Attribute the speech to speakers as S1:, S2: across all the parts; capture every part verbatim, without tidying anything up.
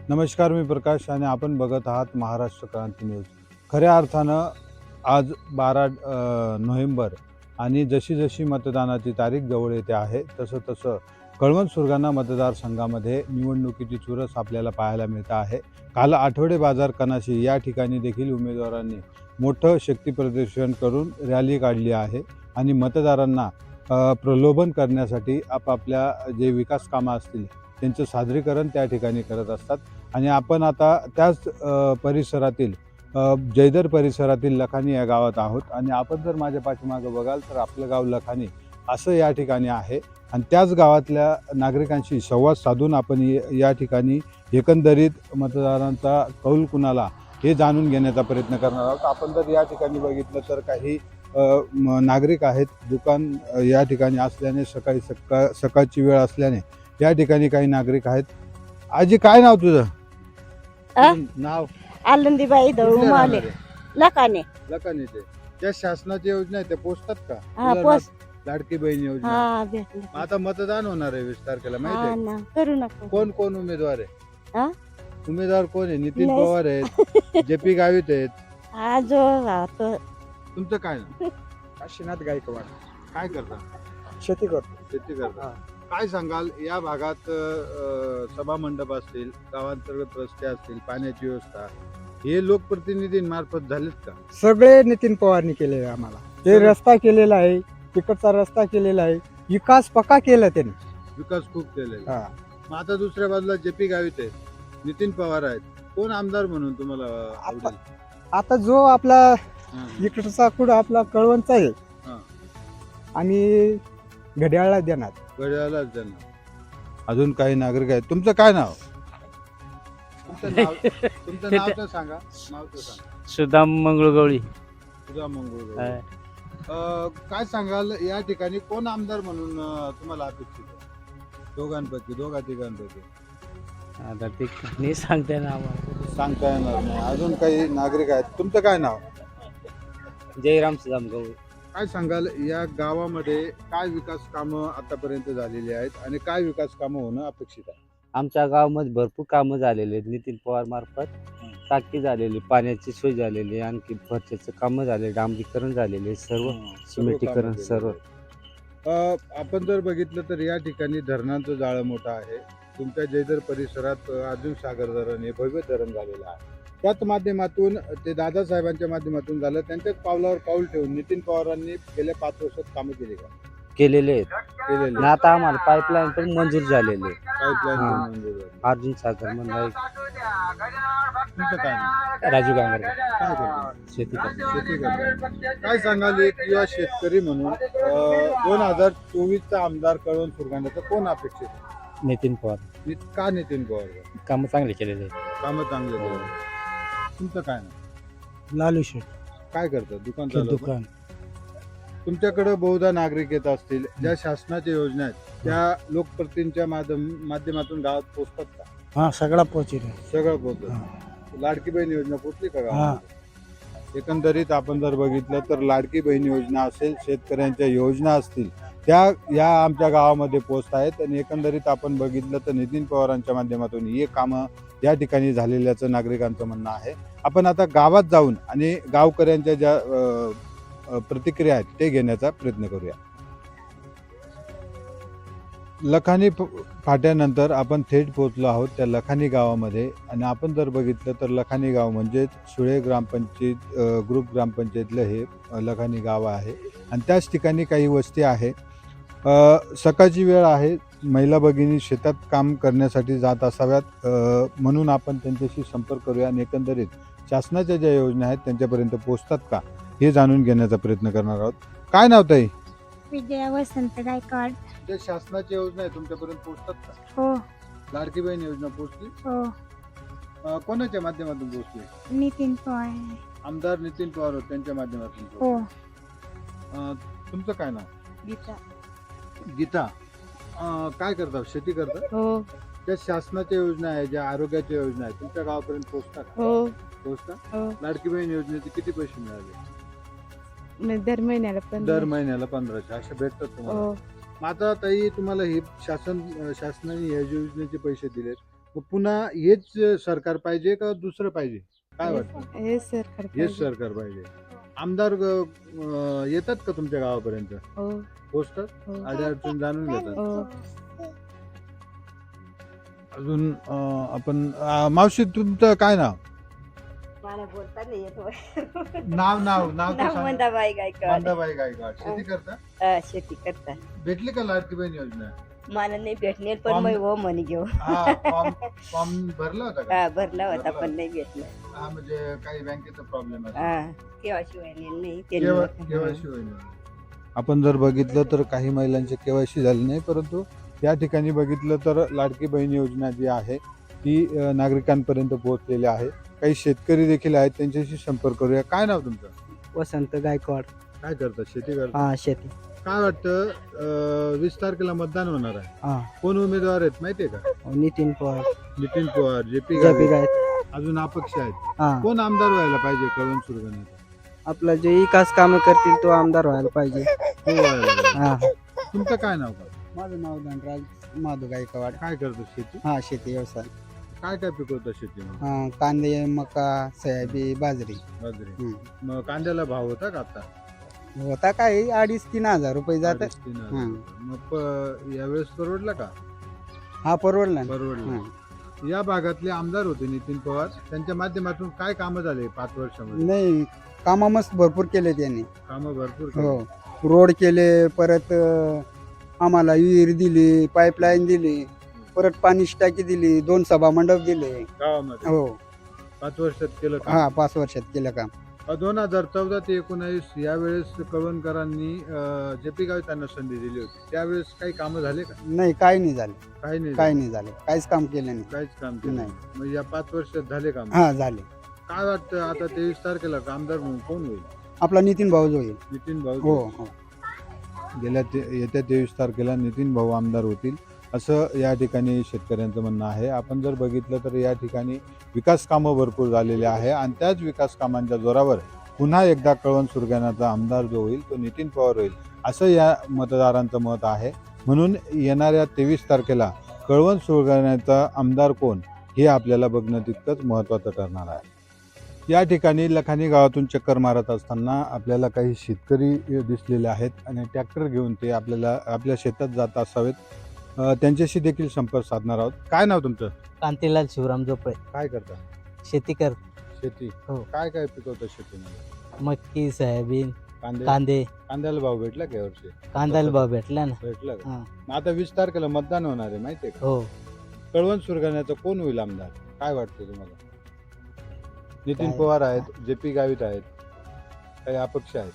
S1: नमस्कार, मी प्रकाश आणि आपण बघत आहात महाराष्ट्र क्रांती न्यूज. खऱ्या अर्थानं आज बारा अ, नोव्हेंबर आणि जशी जशी मतदानाची तारीख जवळ येते आहे तसं तसं कळवण सुरगाणा मतदारसंघामध्ये निवडणुकीची चुरस आपल्याला पाहायला मिळत आहे. काल आठवडे बाजार कनाशी या ठिकाणी देखील उमेदवारांनी मोठं शक्तीप्रदर्शन करून रॅली काढली आहे आणि मतदारांना अ, प्रलोभन करण्यासाठी आपापल्या जे विकास कामं असतील त्यांचं सादरीकरण त्या ठिकाणी करत असतात. आणि आपण आता त्याच अ, परिसरातील अ, जयदर परिसरातील लखानी या गावात आहोत आणि आपण जर माझ्या पाठीमागं बघाल तर आपलं गाव लखानी असं या ठिकाणी आहे आणि त्याच गावातल्या नागरिकांशी संवाद साधून आपण य- या ठिकाणी एकंदरीत मतदारांचा कौल कुणाला हे जाणून घेण्याचा प्रयत्न करणार आहोत. आपण जर या ठिकाणी बघितलं तर काही अ, म- नागरिक आहेत. दुकान अ, या ठिकाणी असल्याने सकाळी सकाळ सकाळची वेळ असल्याने या ठिकाणी काही नागरिक आहेत. आजी, काय नाव तुझं?
S2: अ?
S1: तुझं नाव
S2: आनंदीबाई दळू
S1: कुठले
S2: मावले
S1: राहणारे?
S2: लकाने.
S1: लकानीचे. ज्या शासनाच्या योजना आहेत त्या पोचतात का?
S2: हा
S1: उदाहरणार्थ
S2: पोस्ट
S1: लाडकी बहीण योजना.
S2: हा भेटलं
S1: मग आता मतदान होणार आहे वीस तारखेला, माहिती
S2: हा
S1: आहे?
S2: ना करू नका
S1: कोण कोण उमेदवार आहे?
S2: हा?
S1: उमेदवार कोण आहे? नितीन
S2: नाही.
S1: पवार आहेत, जे पी गावित आहेत.
S2: हा जो राहतो
S1: तुमचं काय नाव?
S3: काशीनाथ गायकवाड.
S1: काय करता?
S3: शेती करतो.
S1: शेती करता. काय सांगाल या भागात अ, सभा मंडप असतील, गावांतर्गत रस्ते असतील, पाण्याची व्यवस्था हे लोकप्रतिनिधींमार्फत झालेत का?
S3: सगळे नितीन पवारनी केलेले आहे आम्हाला. ते
S1: सगळे?
S3: रस्ता केलेला आहे, तिकडचा रस्ता केलेला आहे, विकास पक्का केला त्यांनी.
S1: विकास खूप केलेला आहे.
S3: हा.
S1: मग आता दुसऱ्या बाजूला जे पी गावित आहेत, नितीन पवार आहेत. कोण आमदार म्हणून तुम्हाला आवडेल?
S3: आता जो आपला
S1: हां.
S3: इकडचा कुठं आपला कळवणचा आहे
S1: हां.
S3: आणि घड्याळला देणार.
S1: घड्याळालाच देणार. अजून काही नागरिक आहेत. तुमचं काय नाव? तुमचं नाव तुमचं नाव तर सांगा. नाव तर सांगा.
S4: सुदाम मंगळगवळी.
S1: तुझा मंगळ. काय सांगाल या ठिकाणी कोण आमदार म्हणून अं, तुम्हाला अपेक्षित आहे? दोघांपैकी, दोघा तिघांपैकी
S4: आता ते नाही सांगते ना आम्हाला.
S1: सांगता येणार नाही. अजून काही नागरिक आहेत. तुमचं काय नाव?
S4: जयराम सुदाम गवळी.
S1: काय सांगाल या गावामध्ये काय विकास कामं आतापर्यंत झालेली आहेत आणि काय विकास कामं होणं अपेक्षित आहे?
S4: आमच्या गावामध्ये भरपूर कामं झालेली आहेत. नितीन पवार मार्फत टाकी झालेली, पाण्याची सोय झालेली, आणखी फरच्याचं कामं झाले, डांबरीकरण झालेले, सर्व सिमेंटीकरण सर्व.
S1: अ, आपण जर बघितलं तर या ठिकाणी धरणांचं जाळं मोठं आहे. तुमच्या जयदर परिसरात अ, अर्जुन सागर धरण हे भव्य धरण झालेलं आहे. त्याच माध्यमातून ते दादासाहेबांच्या माध्यमातून झालं. त्यांच्याच पावलावर पाऊल ठेवून नितीन पवारांनी गेल्या पाच वर्षात कामं केली का?
S4: केलेले आहेत.
S1: केलेले.
S4: आणि आता आम्हाला पाईपलाईन पण मंजूर झालेली आहे.
S1: पाईपलाईन
S4: हां.
S1: मंजूर झाली.
S4: अर्जुन सागर म्हणून एक
S1: तुमचं काय नाव?
S4: राजू गांगर
S1: काय करतो?
S4: शेती करतो.
S1: शेती करतो. काय सांगाल एक युवा शेतकरी म्हणून दोन हजार चोवीसचा आमदार कळवण सुरगाण्याचा कोण अपेक्षित आहे?
S4: नितीन पवार
S1: नि- का नितीन पवार?
S4: कामं चांगले केलेले आहेत.
S1: कामं चांगले केले. तुमचं काय नाव?
S3: लालू शेठ
S1: काय करतात? दुकान चालवतात?
S3: दुकान.
S1: तुमच्याकडे बहुधा नागरिक येत असतील. ज्या शासनाच्या योजना आहेत त्या लोकप्रतिनिधींच्या माध्यम माध्यमातून गावात पोहोचतात का?
S3: हा सगळा पोहोचेल.
S1: सगळं पोहोचत. लाडकी बहीण योजना पोहोचली का
S3: हा.
S1: गावात? एकंदरीत आपण जर बघितलं तर लाडकी बहीण योजना असेल, शेतकऱ्यांच्या योजना असतील, त्या या आमच्या गावामध्ये पोहोचत आहेत आणि एकंदरीत आपण बघितलं तर नितीन पवारांच्या माध्यमातून हे कामं या ठिकाणी झालेल्याचं नागरिकांचं म्हणणं आहे. आपण आता गावात जाऊन आणि गावकऱ्यांच्या ज्या अ, अ, प्रतिक्रिया आहेत ते घेण्याचा प्रयत्न करूया. लखानी फ- फाट्यानंतर आपण थेट पोहोचलो आहोत त्या लखानी गावामध्ये आणि आपण जर बघितलं तर लखानी गाव म्हणजेच सुळे ग्रामपंचायत अ, ग्रुप ग्रामपंचायतलं हे अ, लखानी गाव आहे आणि त्याच ठिकाणी काही वस्ती आहे. अ, सकाळची वेळ आहे. महिला भगिनी शेतात काम करण्यासाठी जात असाव्यात, अ, म्हणून आपण त्यांच्याशी संपर्क करूया आणि एकंदरीत शासनाच्या ज्या योजना आहेत त्यांच्यापर्यंत पोहोचतात का हे जाणून घेण्याचा प्रयत्न करणार आहोत. काय नाव ताई?
S5: विजया वसंत गायकवाड.
S1: ज्या शासनाच्या योजना आहेत तुमच्यापर्यंत पोहोचतात का?
S5: हो
S1: लाडकी बहीण योजना पोहोचली?
S5: हो
S1: अ, कोणाच्या माध्यमातून पोहोचली?
S5: नितीन पवार.
S1: आमदार नितीन पवार होते, त्यांच्या माध्यमातून
S5: हो
S1: पोहोचली. अ, तुमचं काय नाव?
S2: गीता.
S1: गीता. अ, काय करता? शेती करता?
S2: हो
S1: ज्या शासनाच्या योजना आहे, ज्या आरोग्याच्या योजना आहेत तुमच्या गावापर्यंत पोहोचतात का?
S2: हो
S1: पोहोचतात?
S2: हो
S1: लाडकी बहीण योजनेचे किती पैसे मिळाले?
S2: मग दर महिन्याला पण
S1: दर महिन्याला पंधराशे असे भेटतात तुम्हाला.
S2: हो
S1: मग आता ताई तुम्हाला हे शासन शासनाने या योजनेचे पैसे दिलेत, मग पुन्हा हेच सरकार पाहिजे का दुसरं पाहिजे? काय वाटतं?
S2: हे सरकार
S1: हेच
S2: पाहिजे.
S1: सरकार पाहिजे. आमदार अं, येतात का तुमच्या गावापर्यंत?
S2: हो
S1: पोचतात?
S2: हो
S1: अडचण जाणून घेतात.
S2: हो.
S1: अजून अं, आपण अं, मावशी तुमचं काय नाव?
S2: मला बोलता नाही येत होय.
S1: नाव नाव नाव तर
S2: नाव
S1: सांगा.
S2: मंदाबाई गायकवाड.
S1: मंदाबाई गायकवाड. शेती करता?
S2: हा, शेती करता.
S1: भेटली का लाडकी बहीण योजना?
S2: मला नाही भेटणे पण
S1: फॉर्म-
S2: मग हो म्हणे घेऊ.
S1: हा फॉर्म फॉर्म भरला होता का?
S2: हा भरला होता
S1: भरला
S2: पण नाही भेटलं.
S1: हा म्हणजे काही बँकेचा प्रॉब्लेम आहे.
S2: हा केव्हाशिवाय नाही
S1: केवायसी होईल. आपण जर बघितलं तर काही महिलांचे केवायसी झाले नाही, परंतु या ठिकाणी बघितलं तर लाडकी बहीण योजना जी आहे ती अ, नागरिकांपर्यंत पोहोचलेली आहे. काही शेतकरी देखील आहेत, त्यांच्याशी संपर्क करूया. काय नाव तुमचं?
S3: वसंत गायकवाड.
S1: काय करता? शेती करता?
S3: हा शेती.
S1: काय वाटतं अ, वीस तारखेला मतदान होणार आहे.
S3: हा
S1: कोण उमेदवार आहेत माहितीये का?
S3: नितीन पवार.
S1: नितीन पवार, जे पी
S3: जबी
S1: गावित,
S3: गाय.
S1: अजून अपक्ष आहेत.
S3: हा
S1: कोण आमदार व्हायला पाहिजे कळवण सुरगाण्याचा?
S3: आपला जे विकास कामं करतील तो आमदार व्हायला पाहिजे.
S1: तो व्हायला पाहिजे.
S3: हा
S1: तुमचं काय नाव का?
S3: माझं नाव धनराज माधू गायकवाड.
S1: काय करतो शेती?
S3: हा शेती व्यवसाय.
S1: काय काय पिकवतं शेतीमध्ये?
S3: हा कांदे, मका, सोयाबीन, बाजरी.
S1: बाजरी.
S3: हम्म.
S1: मग कांद्याला भाव होता का आता?
S3: होता काय अडीच तीन हजार रुपये जात.
S1: अडीच तीन हजार.
S3: हम्म.
S1: मग प- यावेळेस परवडला का?
S3: हा परवडला ना.
S1: परवडला.
S3: हा.
S1: या भागातले आमदार होते नितीन पवार, त्यांच्या माध्यमातून काय कामं झाले पाच वर्षामध्ये?
S3: नाही कामं मस्त भरपूर केले त्यांनी.
S1: कामं भरपूर
S3: हो
S1: केली.
S3: रोड केले, परत अं, आम्हाला विहीर दिली, पाईपलाईन दिली, परत पाणी टाकी दिली, दोन सभा मंडप दिले.
S1: गावामध्ये
S3: हो
S1: पाच वर्षात केलं का?
S3: हा पाच वर्षात केलं काम.
S1: दोन हजार चौदा ते एकोणावीस यावेळेस कळवणकरांनी जे पी गावी त्यांना संधी दिली होती, त्यावेळेस काही कामं झाले का?
S3: नाही काही नाही झालं.
S1: काही नाही
S3: काही
S1: झाले.
S3: नाही झालं. काहीच काम केलं नाही.
S1: काहीच काम केलं
S3: नाही.
S1: नाही. मग या पाच वर्षात झाले काम?
S3: हा झाले.
S1: काय वाटतं आता तेवीस तारखेला आमदार म्हणून कोण होईल?
S3: आपला नितीन भाऊ जो येईल.
S1: नितीन भाऊ.
S3: हो हो
S1: गेल्या ते येत्या तेवीस तारखेला नितीन भाऊ आमदार होतील असं या ठिकाणी शेतकऱ्यांचं म्हणणं आहे. आपण जर बघितलं तर या ठिकाणी विकास कामं भरपूर झालेली आहे आणि त्याच विकास कामांच्या जोरावर पुन्हा एकदा कळवण सुरगाण्याचा आमदार जो होईल तो नितीन पवार होईल असं या मतदारांचं मत आहे. म्हणून येणाऱ्या तेवीस तारखेला कळवण सुरगाण्याचा आमदार कोण हे आपल्याला बघणं तितकंच महत्त्वाचं ठरणार आहे. या ठिकाणी लखानी गावातून चक्कर मारत असताना आपल्याला काही शेतकरी दिसलेले आहेत आणि ट्रॅक्टर घेऊन ते आपल्याला आपल्या शेतात जात असावेत. अ, त्यांच्याशी देखील संपर्क साधणार आहोत. काय नाव तुमचं?
S3: कांतीलाल शिवराम जोपळे.
S1: काय करता?
S3: शेती कर.
S1: शेती.
S3: हो.
S1: काय काय पिकवतं शेतीमध्ये?
S3: मक्की, सोयाबीन,
S1: कांदे.
S3: कांदे.
S1: कांद्याला भाव भेटला का यावर्षी?
S3: कांद्याला भाव भेटला ना.
S1: भेटला का?
S3: हा.
S1: मग आता वीस तारखेला मतदान होणार आहे माहितीये का?
S3: हो
S1: कळवण सुरगाण्याचं कोण होईल आमदार? काय वाटतं तुम्हाला? नितीन
S3: काय-
S1: पवार आहेत, जे पी गावित आहेत, काही अपक्ष आहेत,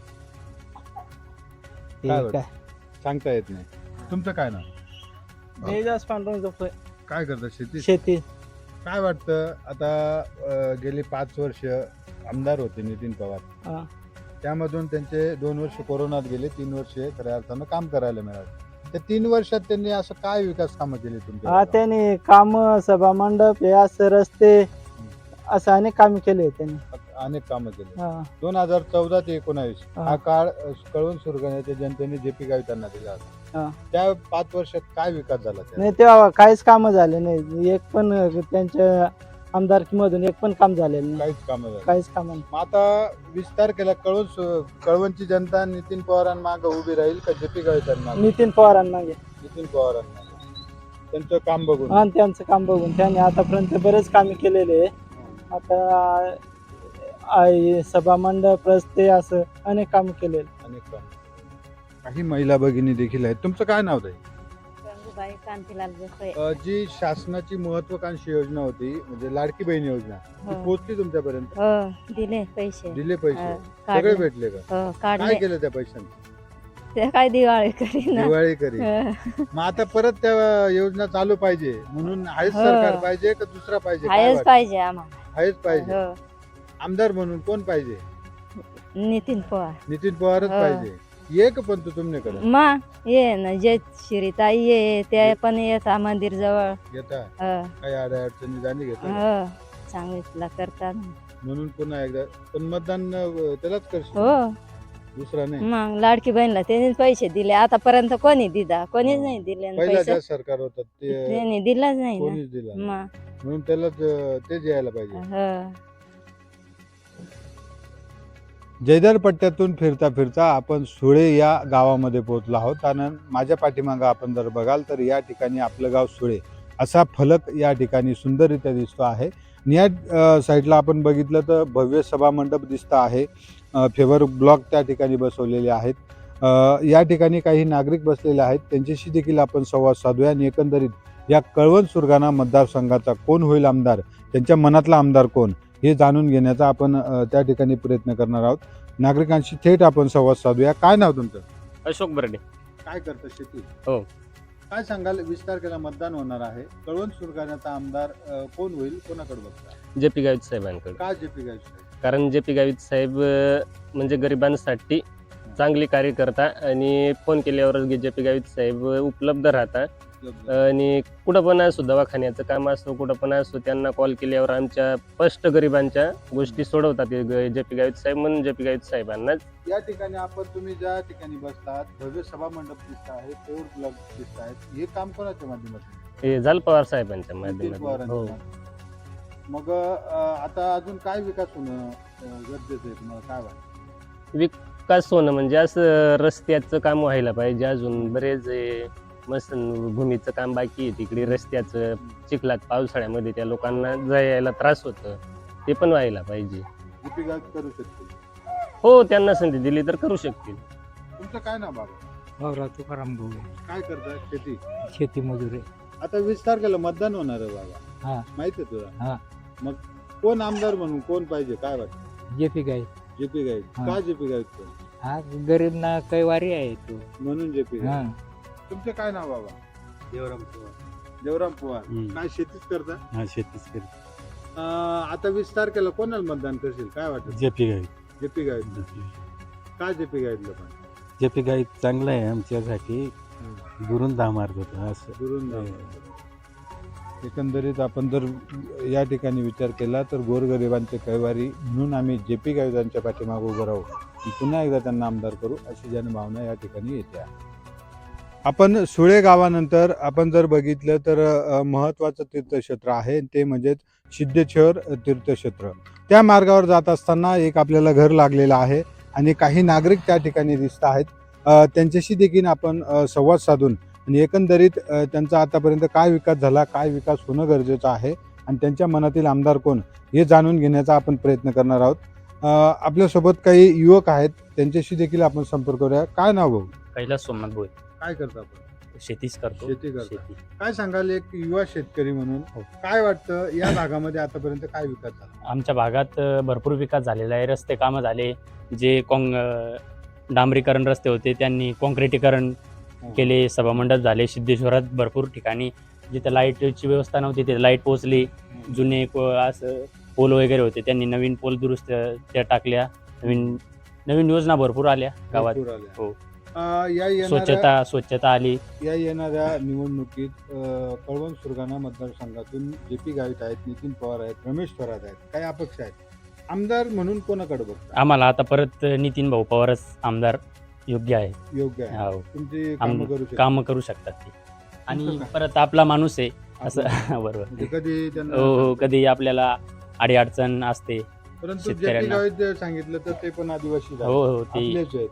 S3: ते
S1: काय
S3: काय
S1: सांगता येत नाही. तुमचं काय नाव?
S3: देवदास पांडुरंग जोपळे.
S1: काय करता? शेती.
S3: शेती.
S1: काय वाटतं आता अ, गेली पाच वर्ष आमदार होते नितीन पवार,
S3: हा.
S1: त्यामधून त्यांचे दोन वर्ष कोरोनात गेले, तीन वर्ष खऱ्या अर्थानं काम करायला मिळालं. त्या तीन वर्षात त्यांनी असं काय विकास कामं केली तुमच्या
S3: हा
S1: गावात?
S3: त्यांनी काम सभा मंडप हे असं रस्ते असं अनेक काम केले त्यांनी.
S1: अनेक कामं केली.
S3: हा.
S1: दोन हजार चौदा ते एकोणावीस
S3: हा.
S1: हा काळ अ, कळवण सुरगाण्याच्या जनतेने जे पी गावी त्यांना दिला होता.
S3: हा.
S1: त्या पाच वर्षात काय विकास झाला त्या?
S3: नाही तेव्हा काहीच काम झाले नाही. एक पण त्यांच्या आमदारकीमधून एक पण काम झालेलं नाही.
S1: काहीच कामं झाली.
S3: काहीच काम नाही.
S1: मग आता वीस तारखेला कळवण सु- कळवणची जनता नितीन पवारांमागे उभी राहील का जे पी गावी त्यांना?
S3: नितीन पवारांना घे.
S1: नितीन पवारांना त्यांचं काम बघून.
S3: आणि त्यांचं काम बघून त्यांनी आतापर्यंत बरेच कामे केलेले आहे. आता आ- सभा मंडप रस्ते असं अनेक काम केलेले.
S1: अनेक काम. काही महिला भगिनी देखील आहेत. तुमचं काय नाव ताई?
S2: गंगूबाई कांतीलाल जोपळे.
S1: अ, जी शासनाची महत्वाकांक्षी योजना होती म्हणजे लाडकी बहीण योजना ती
S2: हो.
S1: पोहोचली तुमच्यापर्यंत?
S2: हो दिले पैसे.
S1: दिले पैसे?
S2: हा,
S1: सगळे
S2: काढले.
S1: भेटले का?
S2: हो
S1: काय
S2: काढले.
S1: केलं त्या पैशांचं?
S2: ते काय दिवाळी करीन.
S1: दिवाळी करी. मग आता परत त्या योजना चालू पाहिजे म्हणून आहेच
S2: हो.
S1: सरकार पाहिजे का दुसरा पाहिजे? काय
S2: हायच
S1: वाटतं?
S2: पाहिजे आम्हाला.
S1: आहेच पाहिजे.
S2: हो.
S1: आमदार म्हणून कोण पाहिजे?
S2: नितीन पवार.
S1: नितीन पवारच
S2: हो.
S1: पाहिजे. एक पण तू तुमने करत
S2: मा ये ना जे शिरीताई ये ते पण येता मंदिर जवळ.
S1: घेता
S2: हो.
S1: काही अडा अडचणी जाणी घेता
S2: हो सांगितलं करतात.
S1: म्हणून पुन्हा एकदा पण मतदान अ, त्यालाच करशील.
S2: हो
S1: दुसरा नाही.
S2: मग लाडकी बहिणीला त्यांनीच पैसे दिले, आतापर्यंत कोणी दिला, कोणीच नाही दिले आणि
S1: पहिला
S2: पैसे
S1: ज्या सरकार होतं ते
S2: त्यांनी दिलाच नाही ना.
S1: कोणीच दिला नाही.
S2: मग
S1: म्हणून त्याला त- तेच यायला पाहिजे.
S2: हं.
S1: जयदर पट्ट्यातून फिरता फिरता आपण सुळे या गावामध्ये पोहोचलो आहोत आणि माझ्या पाठीमागं आपण जर बघाल तर या ठिकाणी आपलं गाव सुळे असा फलक या ठिकाणी सुंदररित्या दिसतो आहे. आणि या अ, साईडला आपण बघितलं तर भव्य सभामंडप दिसतं आहे. अ, फेवर ब्लॉक त्या ठिकाणी बसवलेले आहेत. अ, या ठिकाणी काही नागरिक बसलेले आहेत, त्यांच्याशी देखील आपण संवाद साधूया आणि एकंदरीत या कळवण सुरगाणा मतदारसंघाचा कोण होईल आमदार, त्यांच्या मनातला आमदार कोण हे जाणून घेण्याचा आपण अ, त्या ठिकाणी प्रयत्न करणार आहोत. नागरिकांशी थेट आपण संवाद साधूया. काय नाव तुमचं?
S6: अशोक बर्डे.
S1: काय करतं शेती?
S6: हो.
S1: काय सांगाल, वीस तारखेला मतदान होणार आहे, कळवण सुरगाण्याचा आमदार अ, कोण होईल, कोणाकडे बघता?
S6: J P Gavit साहेबांकडे.
S1: का जे पी गायकवाड?
S6: कारण जे पी गावित साहेब अ, म्हणजे गरिबांसाठी चांगली कार्य करता आणि फोन केल्यावर जे पी गावित साहेब उपलब्ध राहतात आणि कुठं पण असो, दवाखान्याचं काम असो, कुठं पण असो, त्यांना कॉल केल्यावर आमच्या स्पष्ट गरिबांच्या गोष्टी सोडवतात जे पी गावित साहेब, म्हणून जे पी गावित साहेबांनाच.
S1: या ठिकाणी आपण तुम्ही ज्या ठिकाणी बसतात भव्य सभा मंडप दिसत आहे, पेवर ब्लॉक दिसत आहेत, हे काम कोणाच्या माध्यमातून?
S6: हे झाल पवार साहेबांच्या
S1: नितीन
S6: माध्यमातून.
S1: पवारांच्या
S6: हो.
S1: माध्यमातून. मग अ, आता अजून काय विकास होणं अ, गरजेचं आहे, तुम्हाला काय वाटतं?
S6: विकास होणं म्हणजे असं रस्त्याचं काम व्हायला पाहिजे. अजून बरेच हे मस्त भूमीचं काम बाकी आहे तिकडे, रस्त्याचं चिखलात पावसाळ्यामध्ये त्या लोकांना जायला त्रास होतं, ते पण व्हायला पाहिजे.
S1: जे पी गायकवाड करू शकतील?
S6: हो, त्यांना संधी दिली तर करू शकतील.
S1: तुमचं काय नाव बाबा?
S7: भाऊराव तुकाराम भाऊ
S1: काय करता? शेती.
S7: शेती मजुरी.
S1: आता वीस तारखेला मतदान होणार आहे बाबा,
S7: हा.
S1: माहिती आहे तुला?
S7: हा.
S1: मग कोण आमदार म्हणून कोण पाहिजे, काय वाटतं?
S7: जे पी गाय
S1: जे पी गायक.
S7: हा.
S1: का जे पी गायक?
S7: हा गरीब ना कैवारी आहे तो.
S1: म्हणून जे पी
S7: हा.
S1: तुमचं काय नाव बाबा?
S8: देवराम पवार.
S1: देवराम पवार.
S8: हम्म.
S1: काय शेतीच करता?
S8: हा शेतीच करतो.
S1: अं, आता वीस तारखेला कोणाला मतदान करशील, काय वाटत?
S8: जे पी गाई.
S1: जे पी गायक. काय जे पी गायकलं पण?
S8: जे पी गाई चांगलं आहे आमच्यासाठी, दुरून दहा मार्ग होतो असं.
S1: दुरून जाऊ. एकंदरीत आपण जर या ठिकाणी विचार केला तर गोरगरिबांचे कैवारी म्हणून आम्ही जे पी गायकांच्या पाठीमागे उभं राहू आणि पुन्हा एकदा त्यांना आमदार करू, अशी जनभावना या ठिकाणी येते आहे. आपण सुळे गावानंतर आपण जर बघितलं तर अ, महत्त्वाचं तीर्थक्षेत्र आहे, ते म्हणजे सिद्धेश्वर तीर्थक्षेत्र. त्या मार्गावर जात असताना एक आपल्याला घर लागलेलं आहे आणि काही नागरिक त्या ठिकाणी दिसत आहेत. अ, त्यांच्याशी देखील आपण अ, संवाद साधून आणि एकंदरीत अ, त्यांचा आतापर्यंत काय विकास झाला, काय विकास होणं गरजेचं आहे आणि त्यांच्या मनातील आमदार कोण हे जाणून घेण्याचा आपण प्रयत्न करणार आहोत. अ, आपल्यासोबत काही युवक आहेत, त्यांच्याशी देखील आपण संपर्क करूया. काय नाव भाऊ?
S9: कैलास सोमनाथ भोई.
S1: काय करता आपण?
S9: शेतीच करतो.
S1: शेती करता.
S9: शेती.
S1: काय सांगाल एक युवा शेतकरी म्हणून, काय वाटतं या भागामध्ये आतापर्यंत काय विकास झाला?
S9: आमच्या भागात अ, भरपूर विकास झालेला आहे. रस्ते कामं झाले, जे कॉंग अ, डांबरीकरण रस्ते होते त्यांनी कॉन्क्रिटीकरण केले, सभामंडप झाले. सिद्धेश्वरात भरपूर ठिकाणी जिथे लाईटची व्यवस्था नव्हती तिथे लाईट पोहोचली. जुने को- असं पोल वगैरे होते त्यांनी नवीन पोल दुरुस्त त्या टाकल्या. नवीन नवीन योजना भरपूर आल्या गावात.
S1: भरपूर आल्या.
S9: हो.
S1: अ, या येणाऱ्या
S9: स्वच्छता स्वच्छता आली.
S1: या येणाऱ्या निवडणुकीत अ, कळवण सुरगाणा मतदारसंघातून जे पी गावित आहेत, नितीन पवार आहेत, रमेश थोरात आहेत, काही अपेक्षा आहेत. आमदार म्हणून कोणाकडे बघता?
S9: आम्हाला आता परत नितीन भाऊ पवारच आमदार योग्य आहे.
S1: योग्य आहे.
S9: हो.
S1: तुमची
S9: आम-
S1: कामं करू शकता.
S9: कामं करू शकतात ते. आणि
S1: तुमचं काय?
S9: परत आपला माणूस आहे असं
S1: आपलं-
S9: बरोबर.
S1: म्हणजे कधी त्यांना
S9: हो हो कधी आपल्याला अडीअडचण असते.
S1: परंतु जे पी
S9: शेतकऱ्यांना.
S1: गावित जर सांगितलं तर ते पण आदिवासी
S9: हो
S1: आहेत.
S9: हो ते
S1: आपलेच आहेत.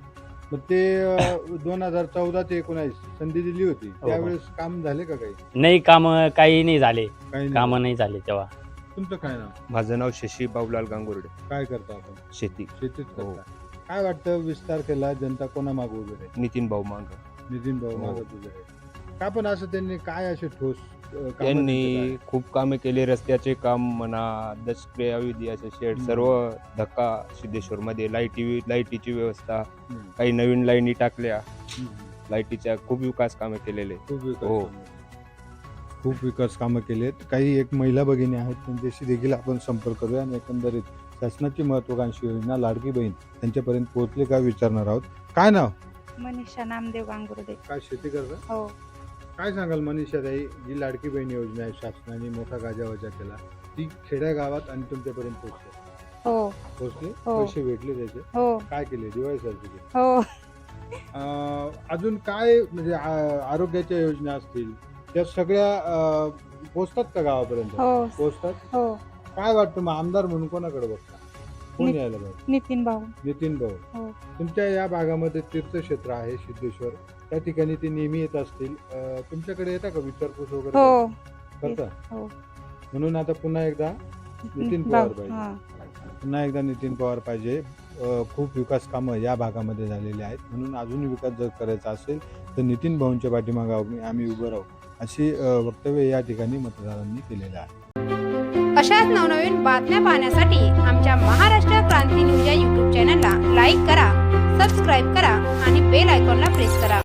S1: मग ते दोन हजार चौदा ते एकोणावीस संधी दिली होती,
S9: हो.
S1: त्यावेळेस काम झाले का काही?
S9: नाही काम काही नाही झाले.
S1: काही
S9: काम
S1: नाही.
S9: नाही झाले तेव्हा.
S1: तुमचं काय नाव?
S10: माझं नाव शशी बाबूलाल गांगुर्डे.
S1: काय करता आपण?
S10: शेती.
S1: शेतीच
S10: हो.
S1: करता. काय वाटतं वीस तारखेला जनता कोणा मागे उभे राहील?
S10: नितीन भाऊ मांग.
S1: नितीन भाऊ
S10: हो.
S1: मागे उभे राहील. का पण असं त्यांनी काय असे ठोस अ, कामं त्यांचे
S10: त्यांनी खूप कामे केले, रस्त्याचे काम म्हणा, दशक्रिय अवधी असे शेड,
S1: हम्म.
S10: सर्व धक्का सिद्धेश्वर मध्ये लाईटी लाईटीची व्यवस्था,
S1: काय? हम्म.
S10: काही नवीन लाईनी टाकल्या,
S1: हम्म.
S10: लाईटीच्या खूप विकास कामे केलेले.
S1: खूप विकास
S10: हो.
S1: कामं. खूप विकास कामं केलेत. काही एक महिला भगिनी आहेत, त्यांच्याशी देखील आपण संपर्क करूया आणि एकंदरीत शासनाची महत्वाकांक्षी योजना लाडकी बहीण त्यांच्यापर्यंत पोहोचले का विचारणार आहोत. काय नाव?
S5: मनीषा नामदेव गांगुर्डे.
S1: काय शेती करता?
S5: हो.
S1: काय सांगाल मनीषा ताई, जी लाडकी बहीण योजना आहे शासनाने मोठा गाजावाजा केला, ती खेड्या गावात आणि तुमच्यापर्यंत पोहोचते?
S5: हो
S1: पोहोचले
S5: हो.
S1: पैसे भेटले त्याचे
S5: हो
S1: काय केले दिवाळीसाठी केले?
S5: हो
S1: अं, अजून काय म्हणजे आ- आरोग्याच्या योजना असतील त्या सगळ्या अं, पोहोचतात का गावापर्यंत?
S5: हो
S1: पोहोचतात.
S5: हो
S1: काय वाटतं मग आमदार म्हणून कोणाकडे बघता? कोण
S5: नि-
S1: यायला पाहिजे?
S5: नितीन भाऊ
S1: नितीन भाऊ.
S5: हो.
S1: तुमच्या या भागामध्ये तीर्थक्षेत्र आहे सिद्धेश्वर, त्या ठिकाणी ते नेहमी येत असतील. अं, तुमच्याकडे येतात का विचारपूस वगैरे
S5: हो
S1: करता?
S5: हो.
S1: म्हणून आता पुन्हा एकदा नितीन
S5: भाऊ
S1: पवार पाहिजे.
S5: हा
S1: पुन्हा एकदा नितीन पवार पाहिजे. अ, खूप विकास कामं या भागामध्ये झालेली आहेत, म्हणून अजून विकास जर करायचा असेल तर नितीन भाऊंच्या पाठीमागे आम्ही आम्ही उभं राहू अशी अ, वक्तव्य या ठिकाणी मतदारांनी केलेलं आहे.
S11: अशाच नवनवीन बातम्या पाहण्यासाठी आमच्या महाराष्ट्र क्रांती न्यूज या यूट्यूब चॅनलला लाईक करा, सबस्क्राईब करा आणि बेल आयकॉनला प्रेस करा.